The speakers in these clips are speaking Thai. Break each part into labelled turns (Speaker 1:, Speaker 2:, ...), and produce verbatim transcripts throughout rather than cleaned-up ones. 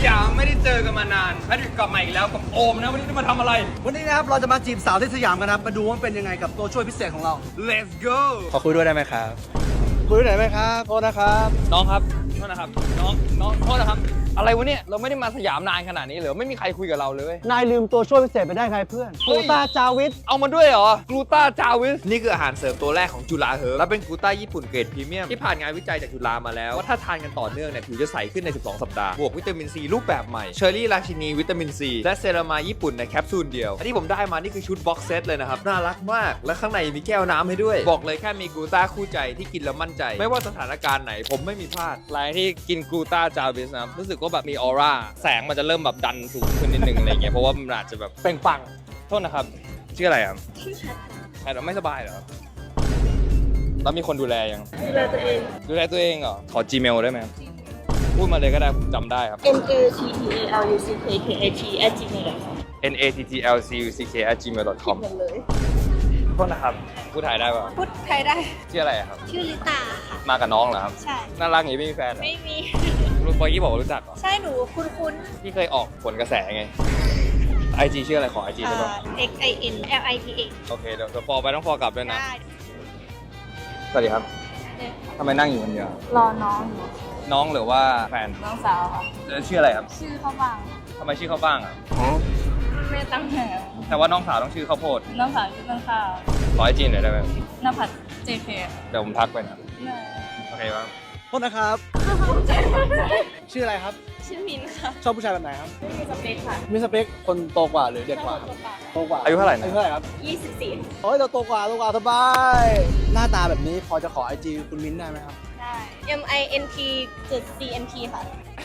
Speaker 1: ยามไม่ได้เจอกันมานานแพทริกกลับมาอีกแล้วกับโอมนะวันนี้จะมาทำอะไร
Speaker 2: วันนี้นะครับเราจะมาจีบสาวที่สยามกันนะครับมาดูว่าเป็นยังไงกับตัวช่วยพิเศษของเรา
Speaker 1: Let's go
Speaker 3: ขอคุยด้วยได้ไหมครับ
Speaker 2: คุยได้ไหมครับโทษนะครับ
Speaker 1: น้องครับโทษนะครับน้องน้องโทษนะครับอะไรวะเนี่ยเราไม่ได้มาสยามนานขนาดนี้เหรอไม่มีใครคุยกับเราเลย
Speaker 2: นายลืมตัวช่วยพิเศษไปได้ไงเพื่อน
Speaker 1: เฮ้
Speaker 2: กู
Speaker 1: ย
Speaker 2: ตาจาวิท
Speaker 1: เอามาด้วยเหรอกลูตาจาวิสนี่คืออาหารเสริมตัวแรกของจุฬาเฮิร์บและเป็นกลูต้าญี่ปุ่นเกรดพรีเมียมที่ผ่านงานวิจัยจากจุฬามาแล้วว่าถ้าทานกันต่อเนื่องเนี่ยผิวจะใสขึ้นในสิบสองสัปดาห์บวกวิตามินซีรูปแบบใหม่เชอร์รี่ราชินีวิตามินซีและเซรามายญี่ปุ่นในแคปซูลเดียวอันที่ผมได้มานี่คือชุดบ็อกเซตเลยนะครับน่ารักมากและข้างในมีแก้วน้ำให้ด้วยบอกเลยแค่มีกลูต้าคู่ใจที่กินแล้วมั่นใจไม่ว่าสถานการณ์ไหนผมไม่มีพลาดรายที่กินกลูต้าจาวิสนะรู้สึกว่าแบบมีออร่าแสงมันจะเริ่มแบบดันสูงขึ้นนิดนึงอะไรเงี้ยเพราะว่ามันอาจจะแบบเปล่งปลั่งโทษนะครับชื่ออะไรครับชื่อแพทแพทไม่สบายเหรอแล้วมีคนดูแลยังดูแลตัวเองดูแลตัวเองเหรอขอ Gmail ได้ไหมพูดมาเลยก็ได้ผมจำได้ครับ
Speaker 4: n a t t a l u c k k a t at gmail dot com
Speaker 1: n a t t l c u c k at gmail dot com
Speaker 4: หมดเลย
Speaker 1: โทษนะครับพูดไทยได้ป่ะ
Speaker 4: พูดไทยได้
Speaker 1: ชื่ออะไรอะครับ
Speaker 4: ชื่อลิตาค่ะ
Speaker 1: มากับน้องเหรอครับ
Speaker 4: ใช่
Speaker 1: น่ารักอย่างนี้ไม่มีแฟนเหรอ
Speaker 4: ไม่มี
Speaker 1: รู้ปอยกี้บอกว่ารู้จักเหรอ
Speaker 4: ใช่หนูคุ้นคุ้น
Speaker 1: พี่เคยออกผลกระแสไงไอจีชื่ออะไรขอไอจี
Speaker 4: เอ่
Speaker 1: ได้ป่ะ
Speaker 4: อ x i n l i t a
Speaker 1: โอเคเดี๋ยวเดี๋ยวฟอไปต้องฟอกลับด้วยนะ
Speaker 4: ได้
Speaker 1: สวัสดีครับทำไมนั่งอยู่คนเดียว
Speaker 4: รอน้องอยู่
Speaker 1: น้องหรือว่าแฟน
Speaker 4: น้องสาวค่ะ
Speaker 1: แล้วชื่ออะไรครับ
Speaker 4: ชื่อเขาบาง
Speaker 1: ทำไมชื่อเขาบ้างอ่ะ
Speaker 4: แม่ตั้งแถว
Speaker 1: แต่ว่าน้องสาวต้องชื่อข้าวโพด
Speaker 4: น้องสาวชื่อต้นข้าว
Speaker 1: ขอไอจีหน่อยได้ไหม
Speaker 4: นภัส เจ เค
Speaker 1: เดี๋ยวผมทักไปนะโอเคป่ะ
Speaker 2: โทษนะครับ ชื่ออะไรครับ
Speaker 4: ชื่อมินค่ะ
Speaker 2: ชอบผู้ชายแบบไหนครับ
Speaker 4: ไม่มีสเปคค่ะ
Speaker 2: มีสเปคคนโตกว่าหรือเด็กกว่าครับโตกว่า
Speaker 1: อายุเท่าไหร่นะ
Speaker 2: อายุเท่าไหร่ครับ
Speaker 4: ยี่สิบสี่
Speaker 2: โอ้ยเราโตกว่าโตกว่าสบายหน้าตาแบบนี้พอจะขอไอจีคุณมิ้นท์ได้ไหมครับ
Speaker 4: ได้ m i n t จุด c n t ค่ะ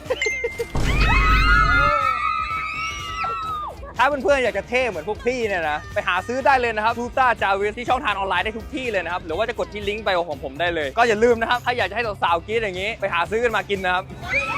Speaker 1: ถ้าเพื่อนๆอยากจะเท่เหมือนพวกพี่เนี่ยนะไปหาซื้อได้เลยนะครับทูต้าจาวิสที่ช่องทางออนไลน์ได้ทุกที่เลยนะครับหรือว่าจะกดที่ลิงก์ไปของผมได้เลยก็อย่าลืมนะครับถ้าอยากจะให้สาวๆกรี๊ดอย่างนี้ไปหาซื้อกันมากินนะครับ